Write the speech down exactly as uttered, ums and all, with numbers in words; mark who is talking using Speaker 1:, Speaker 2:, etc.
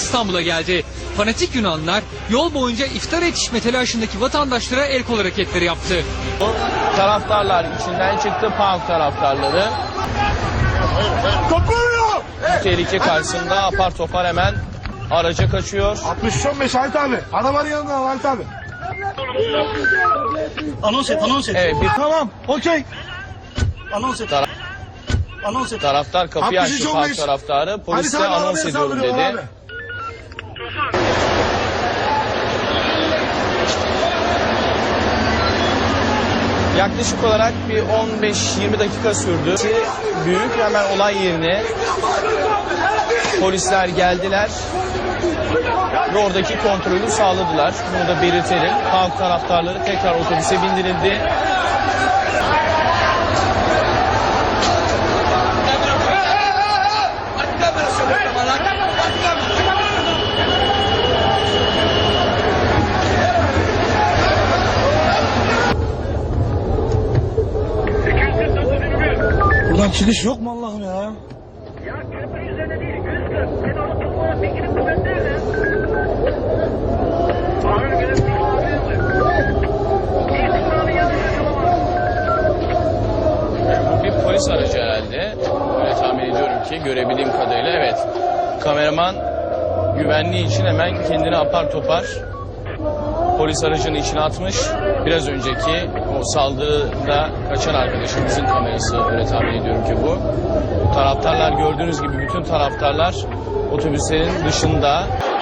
Speaker 1: İstanbul'a geldi. Fanatik Yunanlılar yol boyunca iftar yetişme telaşındaki vatandaşlara el kol hareketleri yaptı.
Speaker 2: Taraftarlar içinden çıktı, PAOK taraftarları. Bu tehlike karşısında apar topar hemen araca kaçıyor.
Speaker 3: altmış on beş Halit abi. Arabanın yanında Halit abi.
Speaker 4: Anons et, anons et.
Speaker 2: Evet, bir
Speaker 3: Tamam, okey.
Speaker 4: Anons et.
Speaker 2: Tara-
Speaker 4: Anons et.
Speaker 2: taraftar kapıyı
Speaker 3: altmış üç
Speaker 2: açtı,
Speaker 3: on
Speaker 2: PAOK
Speaker 3: beş.
Speaker 2: taraftarı. Polise
Speaker 3: Halit abi
Speaker 2: anons
Speaker 3: arabaya
Speaker 2: ediyorum
Speaker 3: saldırıyorlar
Speaker 2: dedi.
Speaker 3: abi.
Speaker 2: Yaklaşık olarak bir on beş yirmi dakika sürdü. Büyük hemen olay yerine polisler geldiler ve oradaki kontrolü sağladılar. Bunu da belirtelim. PAOK taraftarları tekrar otobüse bindirildi.
Speaker 3: Buradan çıkış yok mu Allah'ım ya?
Speaker 5: Ya köprü üzerine değil, yüz kırk. Sen onu tutmana pekini kuvvetlerle. Ağır gelip bir olabilir mi? Bir kısmını yanlış yapamaz.
Speaker 2: Bu bir polis aracı herhalde. Öyle tahmin ediyorum ki görebildiğim kadarıyla evet. Kameraman güvenliği için hemen kendini apar topar polis aracının içine atmış. Biraz önceki o saldırıda kaçan arkadaşımızın kamerası, öyle tahmin ediyorum ki bu. Taraftarlar, gördüğünüz gibi bütün taraftarlar otobüslerin dışında.